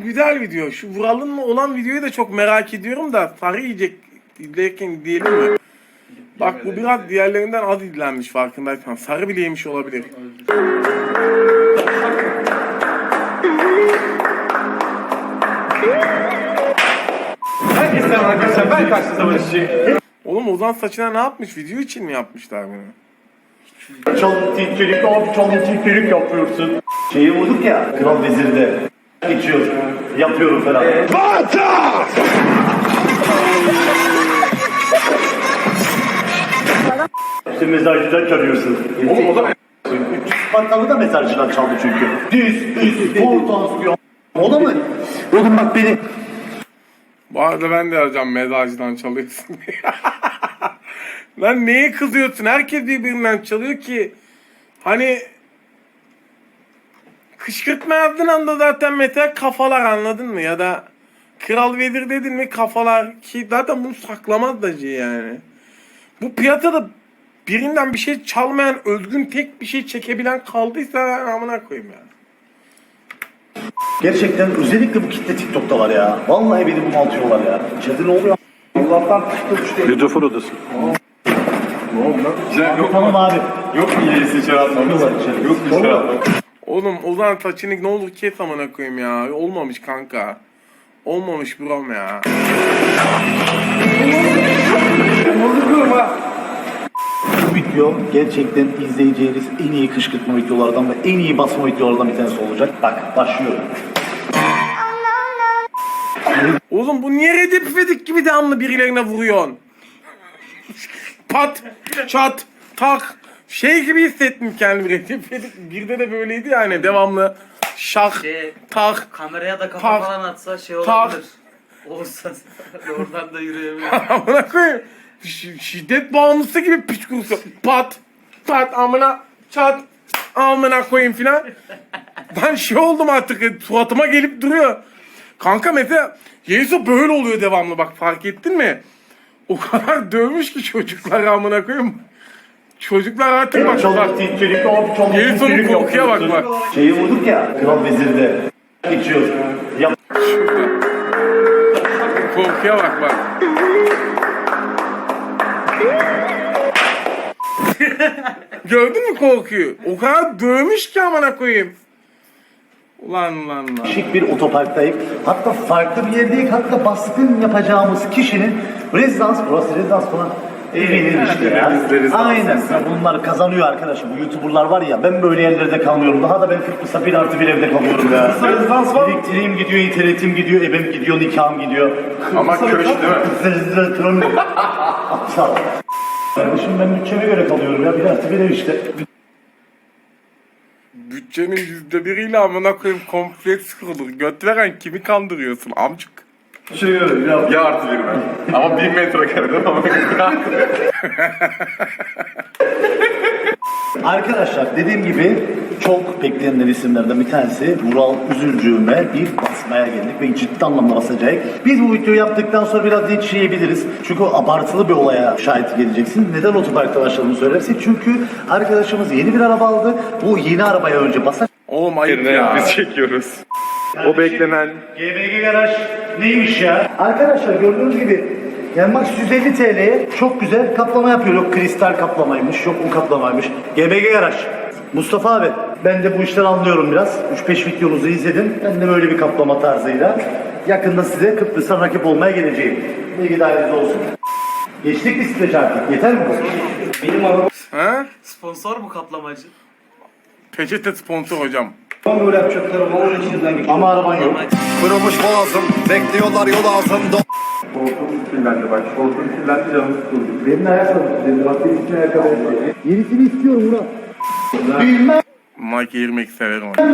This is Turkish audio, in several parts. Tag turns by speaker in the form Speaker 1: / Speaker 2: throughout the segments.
Speaker 1: güzel video. Şu Vural'ın olan videoyu da çok merak ediyorum da sarı yiyecek izlerken diyelim mi? Bak bu biraz diğerlerinden az izlenmiş farkındaysan. Sarı bile yemiş olabilir.
Speaker 2: Herkese selam arkadaşlar, ben Kaçlı Savaşçı.
Speaker 1: Oğlum Ozan saçına ne yapmış? Video için mi yapmışlar bunu?
Speaker 3: Çalıntıkçılık yapıyorsun. Şeyi vurduk ya, Kral Vezir'de. Geçiyor, yapıyorum falan. Bata! İşte mezarcıdan çalıyorsun.
Speaker 2: Oğlum o da
Speaker 3: 300 Spartalı da mezarcıdan çaldı çünkü. Düz, portansiyon. O da mı? Oğlum bak beni.
Speaker 1: Bu arada ben de arayacağım mezarcıdan çalıyorsun diye. Lan neye kızıyorsun? Herkes birbirinden çalıyor ki. Hani kışkırtma yazdığın anda zaten mesela kafalar, anladın mı? Ya da Kral Vezir dedin mi kafalar, ki zaten bunu saklamaz da yani. Bu piyasada birinden bir şey çalmayan, özgün tek bir şey çekebilen kaldıysa ben amına koyayım yani.
Speaker 3: Gerçekten özellikle bu kitle TikTok'ta var ya. Vallahi beni bunaltıyorlar ya. İçeride ne oluyor? Allah'tan TikTok
Speaker 4: Mikrofon odası.
Speaker 2: yok
Speaker 3: Tamam abi.
Speaker 2: Yok mu iyisi içeri atmamız? Yok mu içeri atmamız?
Speaker 1: Oğlum Ozan saçını ne olur kes amına koyayım ya. Olmamış kanka. Olmamış brom ya.
Speaker 3: Bu video gerçekten izleyeceğiniz en iyi kışkırtma videolardan ve en iyi basma videolardan bir tanesi olacak. Bak başlıyorum.
Speaker 1: Oğlum bu niye Recep İvedik gibi devamlı birilerine vuruyorsun? Pat, çat, tak. Şey gibi hissettim kendimi. Recep İvedik birde de böyleydi yani, devamlı şak, tak.
Speaker 5: Kameraya da kafa
Speaker 1: Tak.
Speaker 5: falan atsa şey
Speaker 1: Tak.
Speaker 5: olabilir. Olsa oradan da yürüyebilir.
Speaker 1: Amına koyayım. Şiddet bağımlısı gibi piç kurusu. Pat, pat, amına, çat, amına koyayım filan. Ben şey oldum artık, suratıma gelip duruyor. Kanka mesela Yeiso böyle oluyor devamlı, bak fark ettin mi? O kadar dövmüş ki çocuklar amına koyayım. Çocuklar artık bak bak. Yeison'un korkuya bak bak.
Speaker 3: Şeyi vurduk ya, Kral Vezir'de. Geçiyor. Yap.
Speaker 1: Korkuya bak bak. Gördün mü korkuyu? O kadar dövmüş ki amına koyayım. Ulan.
Speaker 3: Şık bir otoparktayım. Hatta farklı bir yerdeyim. Hatta baskın yapacağımız kişinin burası rezidans falan. Evinin işte ya. Aynen. Bunlar kazanıyor arkadaşım. Bu YouTuber'lar var ya, ben böyle yerlerde kalmıyorum. Daha da ben Kıbrıs'ta 1+1 evde kalıyorum ya.
Speaker 2: Rezidans var.
Speaker 3: Elektriğim gidiyor, internetim gidiyor, ebem gidiyor, nikahım gidiyor.
Speaker 2: Ama köşk değil mi?
Speaker 3: Aptal. Kardeşim ben bütçeme göre kalıyorum ya. 1+1 ev işte.
Speaker 1: Bütçenin %1'iyle amına koyayım kompleks kurulur. Göt veren kimi kandırıyorsun amcık?
Speaker 3: Şey öyle ya.
Speaker 2: Ya artı bir ben. Ama 1000 metrekareden ama
Speaker 3: Arkadaşlar dediğim gibi çok beklenilen isimlerden bir tanesi Vural Üzülcüğüme bir basmaya geldik ve ciddi anlamda basacak. Biz bu videoyu yaptıktan sonra biraz linç yiyebiliriz. Çünkü abartılı bir olaya şahit geleceksin. Neden otoparkta başladığını söylersek. Çünkü arkadaşımız yeni bir araba aldı. Bu yeni arabaya önce basar.
Speaker 1: Oğlum ayıp ya.
Speaker 2: biz çekiyoruz.
Speaker 1: O beklenen.
Speaker 3: GBG Garaj neymiş ya? Arkadaşlar gördüğünüz gibi Yanmax 150 TL'ye çok güzel kaplama yapıyor. Yok kristal kaplamaymış, yok o kaplamaymış. GBG Garaj. Mustafa abi, ben de bu işten anlıyorum biraz. 3-5 videonuzu izledim. Ben de böyle bir kaplama tarzıyla yakında size Kıbrıs'a rakip olmaya geleceğim. Bilgi daireniz olsun. Geçtik mi stres artık? Yeter mi bu? Benim arabam
Speaker 1: Ha?
Speaker 5: Sponsor mu kaplamacı?
Speaker 1: Peçete sponsor hocam.
Speaker 3: böyle yapacaklarım. Onun içinden geçiyor. Ama araban yok.
Speaker 4: Kırılmış boğazım, bekliyorlar yol altında.
Speaker 2: Şortum kirlendi bak. Şortum kirlendi canım sıkıldı.
Speaker 3: Benim ayakkabım. Benim bak benim için ayakkabı. Yenisini istiyorum Murat. Bilmem.
Speaker 1: Mike girmek severim onu.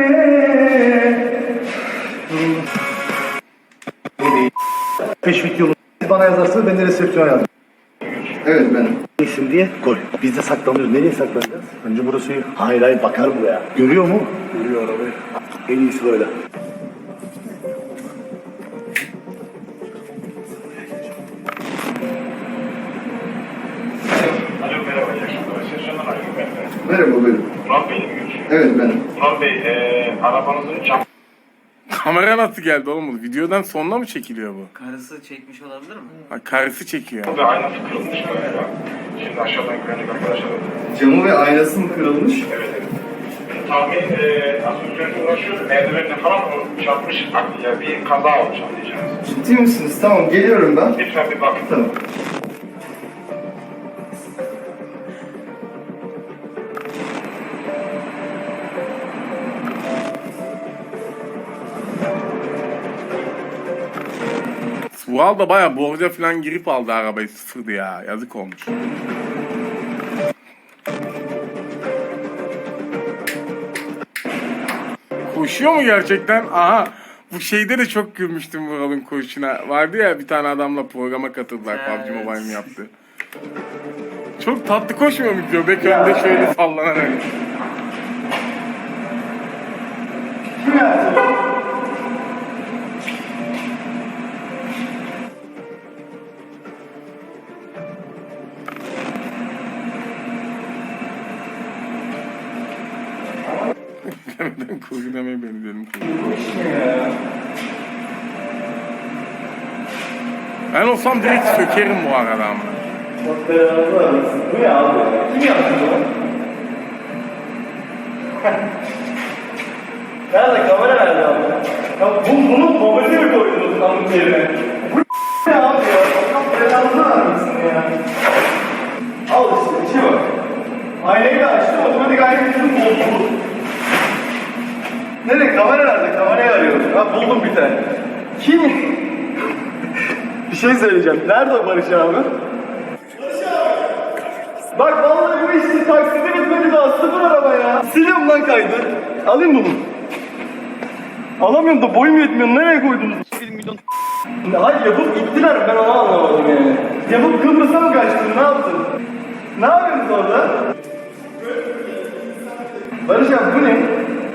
Speaker 3: Peş videonu bana yazarsınız, ben de resepsiyona yazarım.
Speaker 4: Evet benim.
Speaker 3: İsim diye koy. Biz de saklanıyoruz. Nereye saklanacağız? Önce burası iyi. Hayır bakar buraya. Görüyor mu? Görüyor arabayı. En iyisi böyle.
Speaker 6: Alo merhaba, iyi akşamlar. Şaşırtan arıyorum ben.
Speaker 4: Merhaba benim.
Speaker 6: Murat Bey mi görüşüyor?
Speaker 4: Evet benim.
Speaker 6: Murat Bey, arabanızın cam
Speaker 1: Kamera nasıl geldi oğlum bu? Videodan sonra mı çekiliyor bu?
Speaker 5: Karısı çekmiş olabilir mi?
Speaker 1: Ha, karısı çekiyor.
Speaker 6: Ve aynası kırılmış galiba. Şimdi aşağıdan güvenlik arkadaşlar.
Speaker 4: Camı ve aynası mı kırılmış?
Speaker 6: Evet, evet. Tahmin asansörle uğraşıyor. Merdivenle falan o çarpmış. Ya bir kaza olmuş anlayacağınız.
Speaker 4: Ciddi misiniz? Tamam geliyorum ben.
Speaker 6: Lütfen bir bakın.
Speaker 4: Tamam.
Speaker 1: Vural da baya borca falan girip aldı arabayı, sıfırdı ya. Yazık olmuş. Koşuyor mu gerçekten? Aha. Bu şeyde de çok gülmüştüm Vural'ın koşuna. Vardı ya bir tane adamla programa katıldılar.
Speaker 5: Evet.
Speaker 1: PUBG Mobile'in yaptı. Çok tatlı koşmuyor mu? Göbek önde şöyle sallanarak. Neden koşu demeye beni dedim. Ben olsam direkt sökerim bu arada ama.
Speaker 3: Bu ne abi? Kim yaptı bunu? Nerede? Kamera nerede abi? Ya bunun mobilini mi koydunuz kamın yerine? Bu ne abi ya? Allah belanı vermesin ya. Al işte, içe bak. Aynayı da açtım, otomatik aynayı tutup bozuldu. Nerede? Kamera nerede? Kamerayı arıyorum. Ha buldum bir tane. Kim? Bir şey söyleyeceğim. Nerede o Barış abi? Bak vallahi bu işin taksidi bitmedi daha, sıfır araba ya. Siliyorum lan kaydı. Alayım bunu. Alamıyorum da boyum yetmiyor. Nereye koydunuz? 1 milyon. Hayır yapıp gittiler, ben onu anlamadım yani. Yapıp Kıbrıs'a mı kaçtın, ne yaptın? Ne yapıyorsunuz orada? Barış abi bu ne?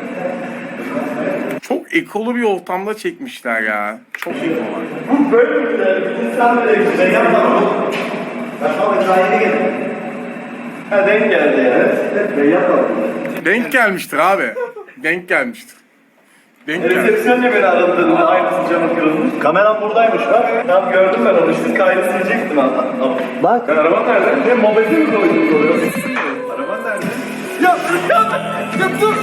Speaker 1: Çok ekolu bir ortamda çekmişler ya. Çok iyi olan.
Speaker 3: Bu böyle mi güzel? İnsan böyle güzel yapmadım. Ben sana daha yeni geldim. Ha denk geldi ya. Evet, ben yapmadım.
Speaker 1: Denk gelmiştir abi. Denk gelmiştir. Denk gelmiştir.
Speaker 3: Resepsiyonla beni aradığında aynısı camı kırılmış. Kameram buradaymış bak. Tamam gördüm ben onu işte, kaydı silecektim hatta. Bak. Sen araban nerede? Ne mobilini mi koydun oluyor? Araban nerede? Ya dur!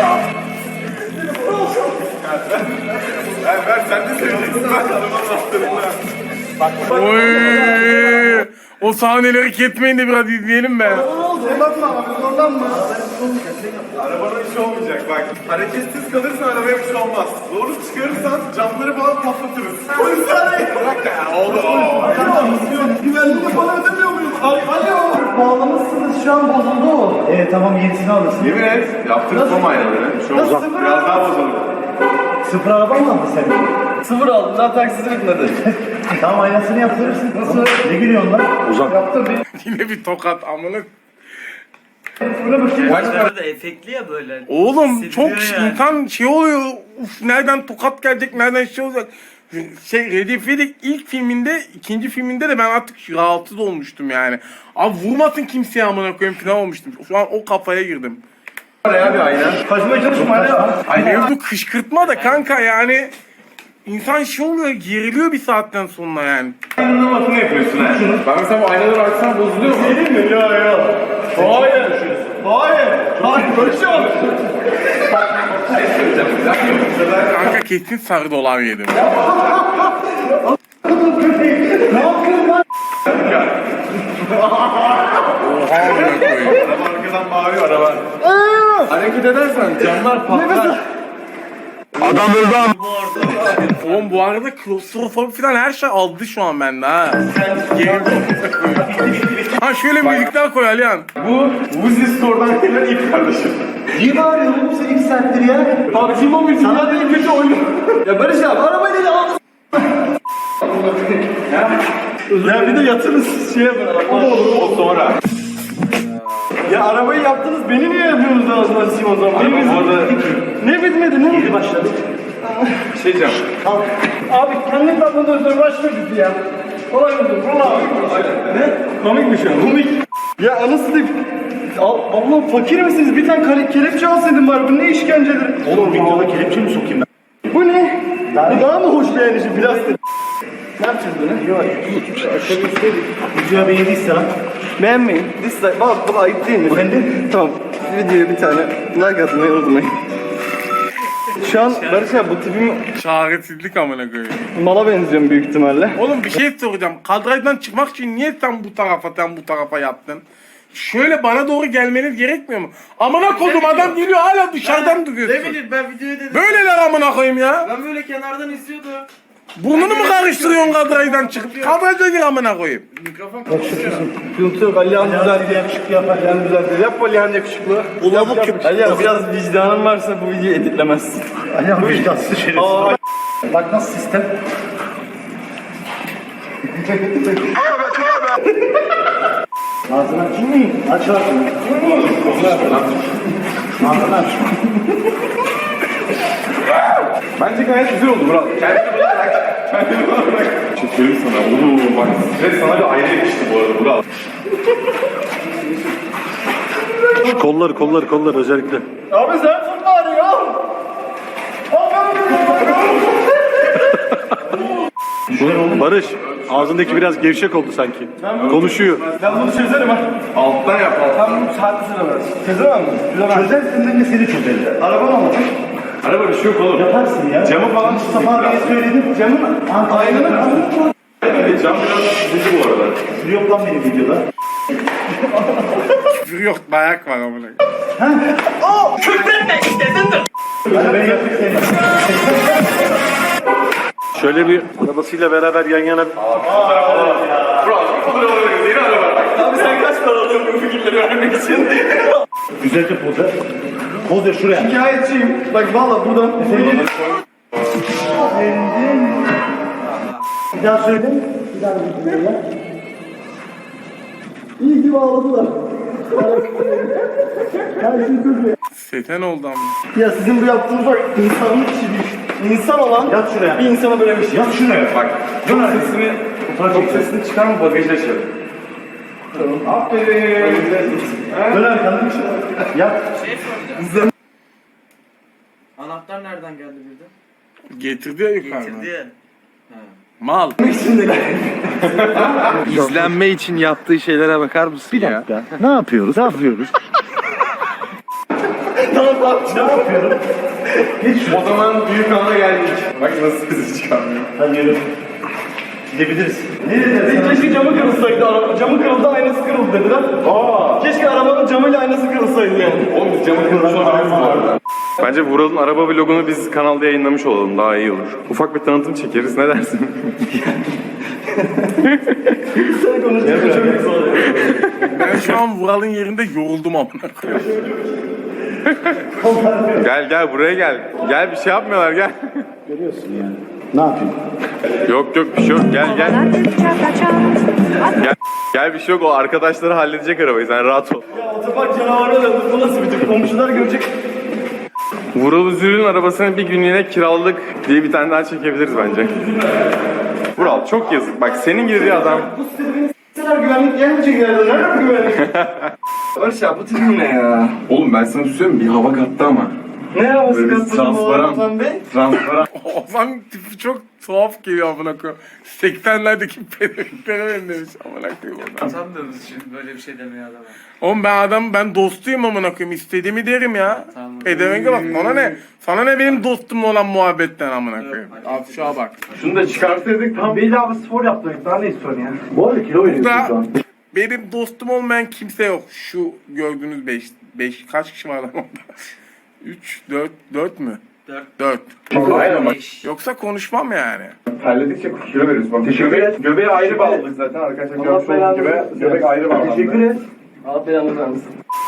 Speaker 2: Ben sen de söyleyeceksin. Ben arabanın anahtarını.
Speaker 1: Oy! O sahneleri ketmeyin de biraz izleyelim be.
Speaker 3: Bakma abi, zorlanma.
Speaker 2: Arabana bir şey olmayacak bak. Hareketsiz kalırsan arabaya bir şey olmaz. Doğru çıkarırsan camları falan patlatırız. Polis arayın. Bırak ya oğlum.
Speaker 3: Güvenliğini falan ödemiyor muyum? Alo. Bağlamışsınız, şu an bozuldu o. Tamam, yenisini alırsın.
Speaker 2: Yemin et. Yaptırız o aynaları. Bir şey olmaz. Biraz daha bozulur.
Speaker 3: Sıfır araba mı aldın sen? Sıfır aldım, daha taksisi bitmedi. Tamam, aynasını yaptırırsın. Nasıl? Ne gülüyorsun lan? Uzak. Yaptım bir.
Speaker 1: Yine bir tokat amına.
Speaker 5: Başlarda da efektli ya böyle.
Speaker 1: Oğlum
Speaker 5: Hissediyor
Speaker 1: çok
Speaker 5: yani.
Speaker 1: insan şey oluyor. Uf, nereden tokat gelecek, nereden şey olacak. Recep İvedik ilk filminde, ikinci filminde de ben artık rahatsız olmuştum yani. Abi vurmasın kimseye amına koyayım falan olmuştum. Şu an o kafaya girdim.
Speaker 2: Oraya bir ayna.
Speaker 3: Kaçmaya çalışma hala.
Speaker 1: Mevzu kışkırtma da kanka yani. İnsan şey oluyor, geriliyor bir saatten sonra yani.
Speaker 2: Anlamasını yapıyorsun ha. Ben mesela bu aynaları açsam bozuluyor mu?
Speaker 3: Değil mi? Ya. Hayır. Hayır. Hayır. Böyle şey olur.
Speaker 1: Kanka kesin sarı dolar yedim.
Speaker 3: Ne yapıyorsun lan?
Speaker 1: Oha amına koyayım.
Speaker 2: Araba arkadan bağırıyor araba. Hareket edersen camlar patlar.
Speaker 1: Oğlum bu arada klostrofobi falan her şey aldı şu an bende ha. Ha şöyle müzikler koy Alihan.
Speaker 2: Bu Uzi Store'dan gelen ilk kardeşim.
Speaker 3: Niye bağırıyorsun oğlum sen 2 saattir ya?
Speaker 2: PUBG Mobile sana değil kötü oyunu.
Speaker 3: Ya Barış abi, arabayı dedi al. Ya bir de yatırız şeye bırak.
Speaker 2: O da olur o sonra.
Speaker 3: Ya arabayı yaptınız, beni niye yapıyorsunuz ağzına sıçayım o zaman?
Speaker 2: Araba bu arada-
Speaker 3: Ne bitmedi, ne? Yeni başladı.
Speaker 2: Bir şey diyeceğim.
Speaker 3: Al. Abi kendi tatlını özür başlıyordu ya. Kolay mıdır? Valla. Ne?
Speaker 2: Komik bir şey.
Speaker 3: Komik. Ya anasını diyeyim. Allah fakir misiniz? Bir tane kelepçe alsaydın bari. Bu ne işkencedir? Oğlum videoda kelepçe mi sokayım ben?
Speaker 4: Bu ne? Bu daha mı hoş beğenişi plastik? Ne yapacağız bunu? Yok.
Speaker 3: Videoya beğendiyse lan.
Speaker 4: Beğenmeyin. Dislike. Bak bu ayıp değil mi?
Speaker 3: Beğendin.
Speaker 4: Tamam. Videoya bir tane like atmayı unutmayın. Şu an Barış abi bu tipim
Speaker 1: Çaresizlik amına koyayım.
Speaker 4: mala benziyorum büyük ihtimalle.
Speaker 1: Oğlum bir şey soracağım. Kadrajdan çıkmak için niye sen bu tarafa yattın? Şöyle bana doğru gelmeniz gerekmiyor mu? Amına koydum adam geliyor hala dışarıdan duruyorsun.
Speaker 5: Ne bileyim ben videoyu dedim.
Speaker 1: Böyleler amına koyayım ya.
Speaker 5: Ben böyle kenardan izliyordum.
Speaker 1: Burnunu mu karıştırıyorsun kadrajdan çıkıp? Kadrajda gir amına koyayım.
Speaker 5: Mikrofon
Speaker 4: Sıkıntı yok. Alihan düzeldi.
Speaker 3: Yakışıklı yapar.
Speaker 4: Alihan düzeldi. Yap Alihan yakışıklı.
Speaker 3: Ulanık
Speaker 4: Yap. Alihan biraz vicdanın varsa bu videoyu editlemezsin.
Speaker 3: Ayağım vicdansız şerefsiz. Bak nasıl sistem. Ağzını aç. Aç ağzını. Ağzını aç.
Speaker 2: Bence gayet güzel oldu Murat. Kendini bana bırak. Kendini bana bırak. Çekiyorum sana. Oo bak. Ve sana bir ayrı yakıştı bu arada Murat.
Speaker 3: Kolları özellikle.
Speaker 4: Abi sen tut bari ya.
Speaker 3: Barış, ağzındaki biraz gevşek oldu sanki. Konuşuyor.
Speaker 4: Ben bunu çözerim ha.
Speaker 2: Alttan yap alttan.
Speaker 4: Ben bunu saatli süremez. Çözemem mi? Çözemem.
Speaker 3: Çözersin ben de seni çözerim.
Speaker 4: Araba mı alacak?
Speaker 2: Araba bir şey yok oğlum.
Speaker 3: Yaparsın ya.
Speaker 2: Camı falan
Speaker 3: Mustafa abiye söyledim. Camı mı? Aynen.
Speaker 2: Cam biraz çizildi bu arada.
Speaker 3: Yok lan benim videoda.
Speaker 1: Küfür yok dayak var amına koyayım.
Speaker 3: Ben yapayım seni. Şöyle bir arabasıyla beraber yan yana.
Speaker 4: Abi sen kaç para alıyorsun bu fikirleri vermek için?
Speaker 3: Güzelce poz ver. Poz ver şuraya.
Speaker 4: Hikayetçiyim. Bak valla buradan.
Speaker 3: Bir daha söyle. Bir daha söyle. İyi ki bağladılar. Her şey çok iyi.
Speaker 1: Seten oldu amına.
Speaker 4: Ya sizin bu yaptığınız bak insanlık işi değil. İnsan olan
Speaker 3: Yat şuraya.
Speaker 4: bir insana böyle bir şey.
Speaker 3: Yat şuraya.
Speaker 2: Bak. Çok sesini çıkarma bagajı açalım. Tamam. Aferin.
Speaker 3: Dön arkanı. Yat.
Speaker 5: Şey soracağım. Anahtar nereden geldi birden?
Speaker 1: Getirdi ya yukarıdan.
Speaker 5: Getirdi ya.
Speaker 1: Mal.
Speaker 7: İzlenme için yaptığı şeylere bakar mısın ya?
Speaker 3: Ya, ne yapıyoruz? Ne yapıyoruz?
Speaker 2: O zaman büyük ana geldik. Bak nasıl sesi çıkarmıyor.
Speaker 3: Hadi yürü. Gidebiliriz. Nereye
Speaker 4: Keşke camı kırılsaydı. Camı kırıldı, aynası kırıldı dediler. Keşke arabanın camıyla aynası kırılsaydı yani.
Speaker 2: Oğlum biz camı kırmış olabiliriz bu arada. Bence Vural'ın araba vlogunu biz kanalda yayınlamış olalım. Daha iyi olur. Ufak bir tanıtım çekeriz. Ne dersin?
Speaker 4: Sen konuştuğun çok güzel oluyor.
Speaker 1: Ben şu an Vural'ın yerinde yoruldum amına koyayım.
Speaker 2: Gel buraya gel. Gel bir şey yapmıyorlar gel.
Speaker 3: görüyorsun yani. Ne yapayım?
Speaker 2: Yok bir şey yok. Gel. Gel bir şey yok. O arkadaşları halledecek arabayı. Sen rahat ol.
Speaker 4: Ya otopark canavarına döndü. Bu nasıl bir tip? Komşular görecek.
Speaker 2: Vural Üzül'ün arabasını bir günlüğüne kiralık diye bir tane daha çekebiliriz bence. Vural çok yazık. Bak senin gibi bir adam.
Speaker 4: Bu sitede beni s**seler güvenlik gelmeyecek yerde. Nerede bu güvenlik? Barış ya bu tipim ne ya?
Speaker 2: Oğlum ben sana söyleyeyim bir hava kattı ama.
Speaker 4: Ne havası
Speaker 2: Böyle
Speaker 4: kattın bu
Speaker 2: transparan.
Speaker 4: Ozan Bey?
Speaker 2: Transparan.
Speaker 1: Ozan tipi çok tuhaf geliyor amına koyayım. 80'lerdeki pedofiklere benzemiş amına koyayım oradan.
Speaker 5: Sanmıyoruz şimdi böyle bir şey demeye adama.
Speaker 1: Oğlum ben dostuyum amına koyayım. İstediğimi derim ya.
Speaker 5: Tamam.
Speaker 1: Pedevenge bak sana ne? Sana ne benim dostumla olan muhabbetten amına koyayım. Afşa bak.
Speaker 2: Şunu da çıkartırdık tam.
Speaker 4: Beyli abi spor yaptık. Daha ne istiyorsun ya?
Speaker 3: Bu arada kilo veriyorsun
Speaker 1: Burada
Speaker 3: şu an.
Speaker 1: benim dostum olmayan kimse yok. Şu gördüğünüz 5 kaç kişi var lan orada? 3, 4 mü? 4.
Speaker 2: Aynen bak.
Speaker 1: Yoksa konuşmam yani.
Speaker 2: Terledikçe kilo veriyoruz. Bak göbeğe ayrı bağladık zaten arkadaşlar. Görmüş olduğunuz gibi. Göbek ayrı bağlandı.
Speaker 4: Teşekkür et. Allah belanı versin.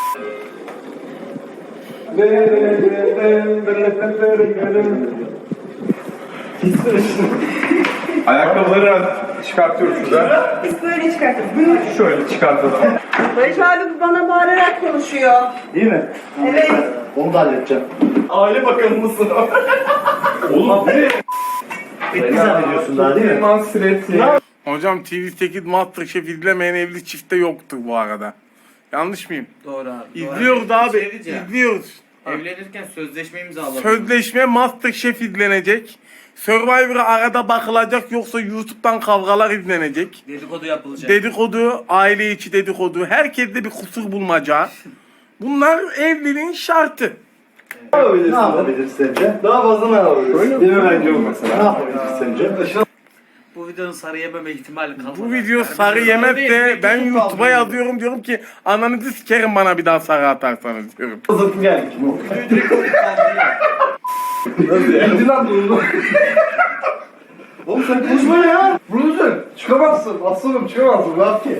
Speaker 2: Ayakkabıları çıkartıyoruz şurada.
Speaker 8: Biz böyle çıkartırız. Buyurun.
Speaker 2: Şöyle çıkartalım.
Speaker 8: Barış abi bana bağırarak konuşuyor.
Speaker 3: Değil mi?
Speaker 8: Evet.
Speaker 3: Onu da halledeceğim.
Speaker 4: Aile bakanı mısın?
Speaker 2: Oğlum bu ne?
Speaker 3: Bitti zannediyorsun daha değil mi?
Speaker 2: Mansireti.
Speaker 1: Hocam TV8 Masterchef izlemeyen evli çifte yoktur bu arada. Yanlış mıyım?
Speaker 5: Doğru abi.
Speaker 1: İzliyoruz
Speaker 5: doğru.
Speaker 1: abi.
Speaker 5: Bir şey diyeceğim.
Speaker 1: İzliyoruz.
Speaker 5: Evlenirken sözleşme imzaladım.
Speaker 1: Sözleşme MasterChef izlenecek. Survivor'a arada bakılacak yoksa YouTube'dan kavgalar izlenecek.
Speaker 5: Dedikodu yapılacak.
Speaker 1: Dedikodu, aile içi dedikodu, herkeste bir kusur bulmaca. Bunlar evliliğin şartı.
Speaker 3: Ne yapabiliriz sence?
Speaker 4: Daha fazla ne yapabiliriz?
Speaker 2: Değil mi bence bu
Speaker 3: Ne
Speaker 2: mesela?
Speaker 3: yapabiliriz sence?
Speaker 5: Bu videonun sarı yememe ihtimali kalmadı.
Speaker 1: Bu video sarı yemezse ben YouTube'a yazıyorum, diyorum ki ananızı sikerim bana bir daha sarı atarsanız diyorum.
Speaker 4: Zıttı geldik.
Speaker 2: Nasıl ya?
Speaker 4: Hadi lan bunu. Oğlum sen konuşma ya. Bruder. Çıkamazsın. Aslanım çıkamazsın. Rahat ki.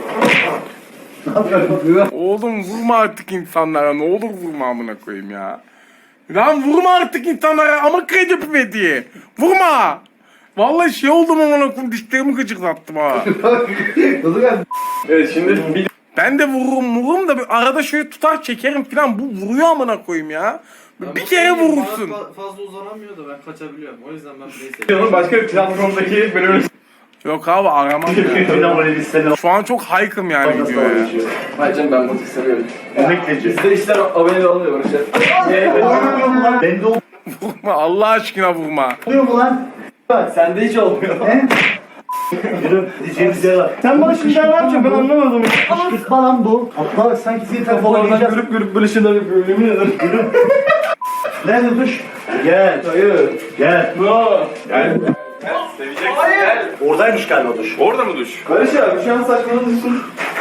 Speaker 1: Oğlum vurma artık insanlara, ne olur vurma amına koyayım ya. Lan vurma artık insanlara ama kredi pipeti. Vurma. Vallahi şey oldum amına koyayım, dişlerimi gıcıklattım ha.
Speaker 4: Nasıl geldi?
Speaker 2: Evet şimdi bir
Speaker 1: Ben de vururum da bir arada şöyle tutar çekerim falan, bu vuruyor amına koyayım ya. Bir kere vurursun.
Speaker 5: Fazla uzanamıyor da ben kaçabiliyorum. O yüzden ben burayı seviyorum.
Speaker 2: videonun başka bir platformdaki bölümünü
Speaker 1: Yok abi aramam ya. Şu an çok haykım yani videoya.
Speaker 4: Hacım ben bunu seviyorum.
Speaker 3: Emekleci.
Speaker 4: Bizde işler abone oluyor işte.
Speaker 3: Bende
Speaker 1: Vurma Allah aşkına vurma.
Speaker 3: oluyor mu lan?
Speaker 4: Bak sende hiç olmuyor.
Speaker 3: He? Yürü diyeceğimiz yer var.
Speaker 4: Sen bana şimdi ne yapacaksın ben anlamadım.
Speaker 3: Kışkırtma lan bu. Atlar sanki seni telefon
Speaker 4: Kafalardan
Speaker 3: oynayacağız.
Speaker 4: görüp böyle şeyler yapıyor yemin ederim.
Speaker 3: Yürü. Nerede duş? Gel.
Speaker 4: Hayır.
Speaker 3: Gel.
Speaker 4: No.
Speaker 2: yani seveceksin gel.
Speaker 3: Oradaymış galiba duş.
Speaker 2: Orada mı duş?
Speaker 4: Barış abi şu an saçmalıyorsun.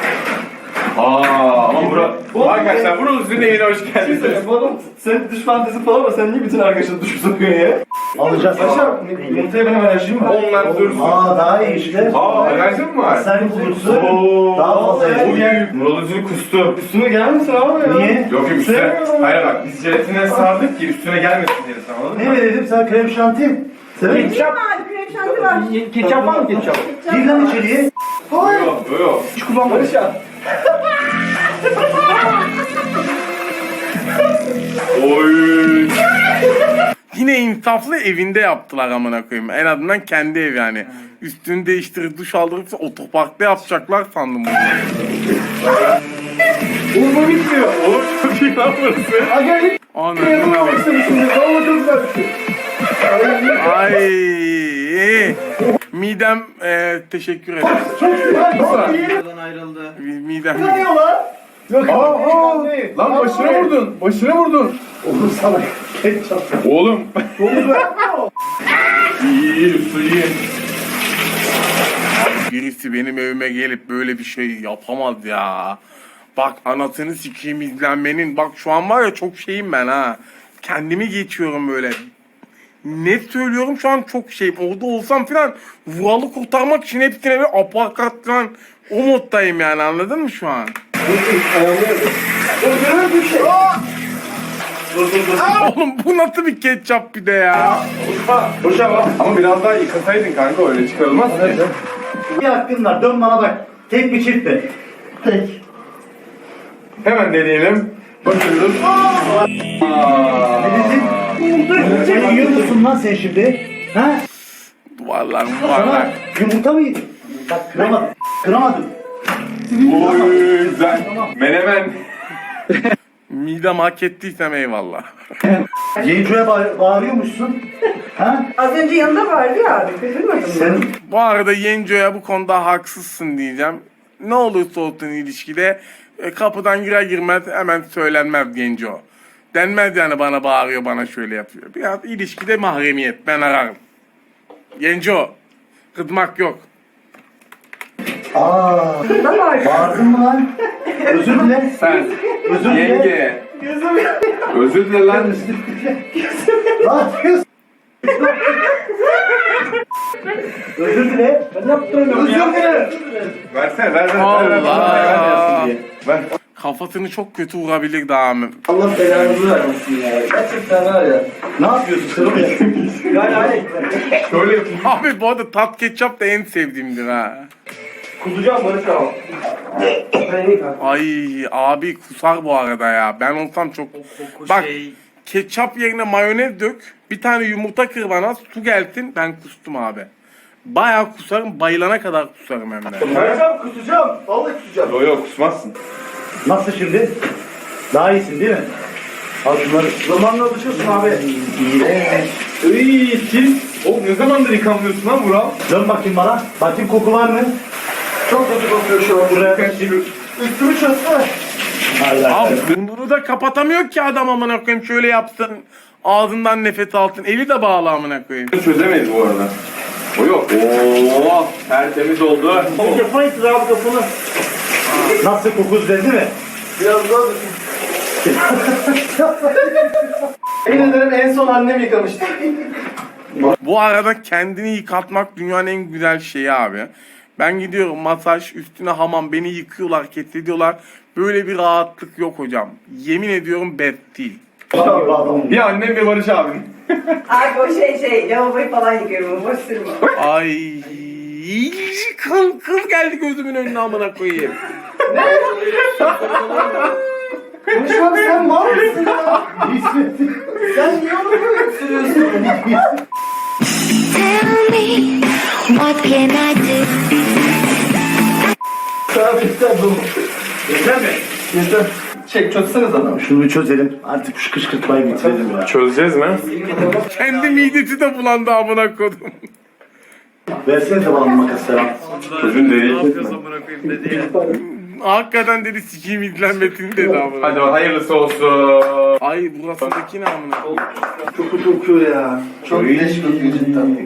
Speaker 2: Ama arkadaşlar bunun üzerine yine hoş geldiniz.
Speaker 4: Bu adam senin duş fantezi falan var. Sen niye bütün arkadaşını duşu sokuyorsun ya?
Speaker 3: Alacağız.
Speaker 4: Barış abi yumurtaya benim alerjim var.
Speaker 2: Onlar dursun.
Speaker 3: Daha iyi işte.
Speaker 2: Alerjin mi var?
Speaker 3: Sen kurusu daha fazla yer.
Speaker 2: Murat Özül kustu.
Speaker 4: Üstüme gelmesin abi ya.
Speaker 3: Niye?
Speaker 2: Yok üstüne.
Speaker 4: Sevmiyorum.
Speaker 2: Hayır bak biz jelatine sardık ki üstüne gelmesin diye anladın
Speaker 3: Ne
Speaker 2: mı?
Speaker 3: verelim sana krem şanti? Sever misin?
Speaker 8: Ketçap var, krem şanti var.
Speaker 4: Ketçap var mı ketçap?
Speaker 3: Gir lan içeriye.
Speaker 2: Yok yok.
Speaker 4: Hiç kullanma Barış abi.
Speaker 2: Oy.
Speaker 1: Yine insaflı evinde yaptılar amına koyayım. En azından kendi ev yani. Üstünü değiştirip duş aldırıp otoparkta yapacaklar sandım bunu.
Speaker 2: Oğlum bu bitmiyor. Oğlum çok iyi lan burası.
Speaker 4: Aga
Speaker 1: Anasını bak.
Speaker 4: şimdi vallahi çok güzel bir şey.
Speaker 1: Ay. Midem teşekkür ederim.
Speaker 5: Videodan ayrıldı.
Speaker 1: Midem.
Speaker 4: Yok
Speaker 2: Lan başına vurdun. Başına vurdun.
Speaker 3: Oğlum sana ketçap.
Speaker 2: Oğlum. İyi su iyi.
Speaker 1: Birisi benim evime gelip böyle bir şey yapamaz ya. Bak anasını sikeyim izlenmenin. Bak şu an var ya çok şeyim ben ha. Kendimi geçiyorum böyle. Net söylüyorum şu an çok şeyim. Orada olsam filan vuralı kurtarmak için hepsine bir aparkat falan o moddayım yani, anladın mı şu an? Oğlum bu nasıl bir ketçap bir de ya?
Speaker 2: Hocam ama biraz daha yıkasaydın kanka öyle çıkarılmaz ki.
Speaker 3: Bir hakkın var. Dön bana bak. Tek mi çift mi? Tek.
Speaker 2: Hemen deneyelim. Bakıyoruz.
Speaker 3: Sen yiyor musun lan sen şimdi? Ha?
Speaker 1: Duvarlar
Speaker 3: Sana
Speaker 1: duvarlar.
Speaker 3: yumurta mı yedin? Bak kıramadım. Kıramadım.
Speaker 2: Oy güzel. Menemen.
Speaker 1: Midem hak ettiysem eyvallah.
Speaker 3: Yenco'ya bağırıyormuşsun. Ha?
Speaker 8: Az önce yanında vardı ya abi, kızılmadın mı?
Speaker 3: Sen
Speaker 1: Bu arada Yenco'ya bu konuda haksızsın diyeceğim. Ne olursa olsun ilişkide kapıdan girer girmez hemen söylenmez Yenco. Denmez yani bana bağırıyor, bana şöyle yapıyor. Biraz ilişkide mahremiyet, ben ararım. Yenco, kızmak yok.
Speaker 8: Yanında vardı.
Speaker 3: bağırdın mı lan? Özür dile.
Speaker 2: Sen.
Speaker 3: Özür dile.
Speaker 2: Yenge. Özür dile lan.
Speaker 3: Ne yapıyorsun? Özür dile. Ben yaptım. Özür dile.
Speaker 2: Versene ver.
Speaker 1: Allah.
Speaker 2: Ver.
Speaker 1: Kafasını çok kötü vurabilir daha mı?
Speaker 4: Allah belanızı vermesin ya. Gerçekten var ya.
Speaker 3: Ne yapıyorsun sen oraya?
Speaker 4: Yani hani
Speaker 2: Şöyle yapayım.
Speaker 1: Abi bu arada tat ketçap da en sevdiğimdir ha.
Speaker 4: kusacağım Barış abi.
Speaker 1: Ay abi kusar bu arada ya. Ben olsam çok...
Speaker 5: Koku
Speaker 1: Bak
Speaker 5: şey.
Speaker 1: ketçap yerine mayonez dök. Bir tane yumurta kır bana, su gelsin, ben kustum abi. Bayağı kusarım, bayılana kadar kusarım hem de.
Speaker 4: Barış abi kusacağım. Vallahi kusacağım.
Speaker 2: Yok kusmazsın.
Speaker 3: Nasıl şimdi? Daha iyisin değil mi? Al şunları.
Speaker 4: Zamanla alışıyorsun abi.
Speaker 2: Iy pis. Oğlum ne zamandır yıkanmıyorsun lan Vural?
Speaker 3: Dön bakayım bana. Bakayım koku var mı?
Speaker 4: Çok kötü kokuyor şu an.
Speaker 3: Buraya.
Speaker 4: Üstümü çözsene.
Speaker 3: Hayır,
Speaker 1: Abi
Speaker 3: hayır.
Speaker 1: bunu da kapatamıyor ki adam amına koyayım. Şöyle yapsın. Ağzından nefes alsın. Eli de bağlı amına koyayım.
Speaker 2: Çözemeyiz bu arada. O yok. Oo, tertemiz oldu.
Speaker 3: Yapamayız abi kapını. Nasıl koku düzeldi mi?
Speaker 4: Biraz daha Yemin ederim en son annem yıkamıştı.
Speaker 1: Bu arada kendini yıkatmak dünyanın en güzel şeyi abi. Ben gidiyorum masaj, üstüne hamam, beni yıkıyorlar, kesiyorlar. Böyle bir rahatlık yok hocam. Yemin ediyorum best değil.
Speaker 2: Bir annem bir Barış abim.
Speaker 8: Abi o lavaboyu falan yıkıyorum. Boş sürme.
Speaker 1: Ay kıl geldi gözümün önüne amına koyayım.
Speaker 4: Konuşmam sen var mısın ya? Sen niye onu böyle sürüyorsun?
Speaker 9: Tell me, what can I do?
Speaker 4: Abi yeter bu.
Speaker 3: Yeter mi?
Speaker 4: Yeter. Çözseniz adam.
Speaker 3: Şunu bir çözelim. Artık şu kışkırtmayı bitirelim ya.
Speaker 2: Çözeceğiz mi?
Speaker 1: Kendi midesi de bulandı amına koydum.
Speaker 3: Versene de bana makas falan.
Speaker 2: Çözün değil.
Speaker 5: Ne yapıyorsun amına koyayım dedi ya.
Speaker 1: Hakikaten dedi sikiyim izlenmesini dedi amına.
Speaker 2: Hadi hayırlısı olsun.
Speaker 1: Ay burasındaki ne amına koyayım.
Speaker 4: Çok kötü kokuyor ya. Çok leş kokuyor cidden.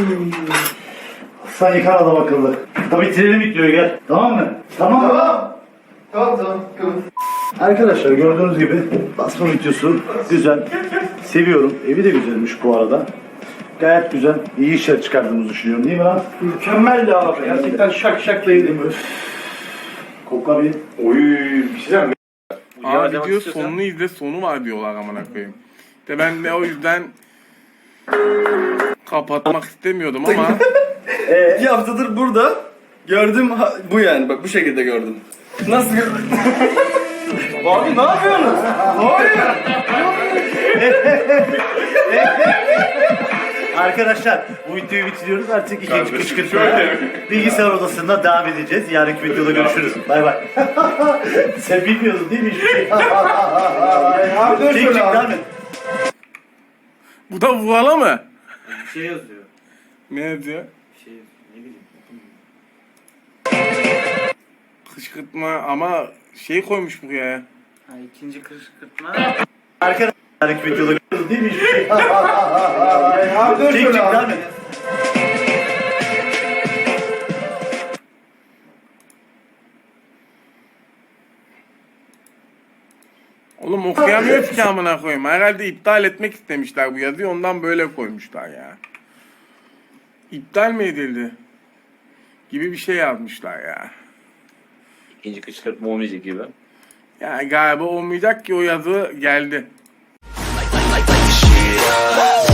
Speaker 3: Sen yıkan adam akıllı. Tabii bitirelim videoyu gel. Tamam mı? Tamam mı?
Speaker 4: Tamam. Tamam.
Speaker 3: Arkadaşlar gördüğünüz gibi basma videosu güzel. Seviyorum. Evi de güzelmiş bu arada. Gayet güzel. İyi işler çıkardığımızı düşünüyorum değil mi lan?
Speaker 4: Mükemmeldi abi. Gerçekten şak şak değilim.
Speaker 3: Kokla bir.
Speaker 2: Oy bir şey diyeceğim.
Speaker 1: Abi diyor sonunu izle sonu var diyorlar amına koyayım. De ben de o yüzden kapatmak istemiyordum ama
Speaker 4: 2 haftadır burada. Gördüm bu yani. Bak bu şekilde gördüm. Nasıl gördün? Abi ne yapıyorsunuz? Hayır.
Speaker 3: Arkadaşlar bu videoyu bitiriyoruz. Artık ikinci kışkırtmaya bilgisayar odasında devam edeceğiz. Yarınki videoda görüşürüz. Bay bay. Sen bilmiyordun değil mi hiçbir şey?
Speaker 4: Abi dur
Speaker 3: Çek
Speaker 4: şöyle
Speaker 3: devam
Speaker 4: abi.
Speaker 3: et.
Speaker 1: bu da Vural'a mı?
Speaker 5: Bir şey yazıyor.
Speaker 1: Ne yazıyor?
Speaker 5: Bir şey yazıyor. Ne bileyim.
Speaker 1: Kışkırtma ama şey koymuş buraya.
Speaker 5: Ha ikinci kışkırtma.
Speaker 3: Arkadaşlar yarınki videoda görüşürüz değil mi hiçbir şey?
Speaker 4: Abi dur
Speaker 3: Çek
Speaker 4: şöyle
Speaker 3: devam
Speaker 4: abi.
Speaker 3: et.
Speaker 1: Oğlum okuyamıyoruz ki amına koyayım. Herhalde iptal etmek istemişler bu yazıyı ondan böyle koymuşlar ya. İptal mi edildi? Gibi bir şey yazmışlar ya.
Speaker 10: İkinci kışkırtma olmayacak gibi.
Speaker 1: Yani galiba olmayacak ki o yazı geldi.